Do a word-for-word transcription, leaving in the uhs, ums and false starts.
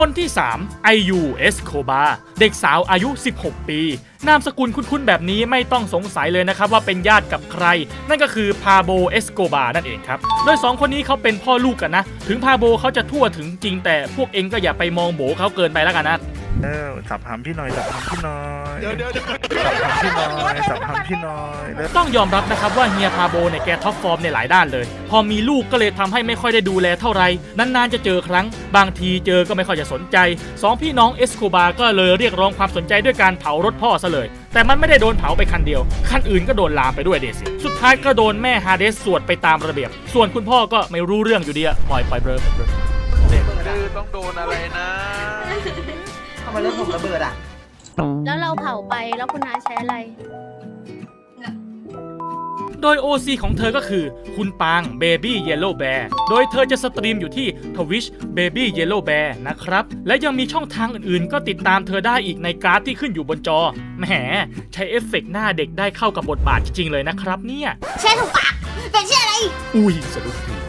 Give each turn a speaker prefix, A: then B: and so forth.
A: คนที่สามไอยูเอสโคบาเด็กสาวอายุสิบหกปีนามสกุลคุ้นๆแบบนี้ไม่ต้องสงสัยเลยนะครับว่าเป็นญาติกับใครนั่นก็คือพาโบเอสโกบานั่นเองครับโดยสองคนนี้เขาเป็นพ่อลูกกันนะถึงพาโบเขาจะทั่วถึงจริงแต่พวกเองก็อย่าไปมองโบเขาเกินไปแล้วกันนะ
B: เออสับหำพี่หน่อยสับหำพี่หน่อย
C: เดี๋ยวเดี๋ยวเดี๋ยว
B: สับหำพี่หน่อยสับหำพี่หน่อยแล้ว
A: ต้องยอมรับนะครับว่าเฮียพาโบเนี่ยแกท็อปฟอร์มในหลายด้านเลยพอมีลูกก็เลยทำให้ไม่ค่อยได้ดูแลเท่าไหร่นานๆจะเจอครั้งบางทีเจอก็ไม่ค่อยจะสนใจสองพี่น้องเอสโคบาก็เลยเรียกร้องความสนใจด้วยการเผารถพ่อซะเลยแต่มันไม่ได้โดนเผาไปคันเดียวคันอื่นก็โดนลามไปด้วยเดสิสุดท้ายก็โดนแม่ฮาเดสสวดไปตามระเบียบส่วนคุณพ่อก็ไม่รู้เรื่องอยู่ดีอะปล่อยปล่อยเบลอเบลอ
C: คือต้องโดนอะไรนะ
D: ทำไมรถผมระเบิดอ่ะ
E: แล้วเราเผาไปแล้วคุณนาใช้อะไร
A: โดย โอ ซี ของเธอก็คือคุณปาง Baby Yellow Bear โดยเธอจะสตรีมอยู่ที่ Twitch Baby Yellow Bear นะครับและยังมีช่องทางอื่นๆก็ติดตามเธอได้อีกในการ์ดที่ขึ้นอยู่บนจอแหมใช้เอฟเฟกต์หน้าเด็กได้เข้ากับบทบาทจริงๆเลยนะครับเนี่ย
E: ใช่ถูกปากเป็นชื่ออะไร
A: อุ้ยสะดุดที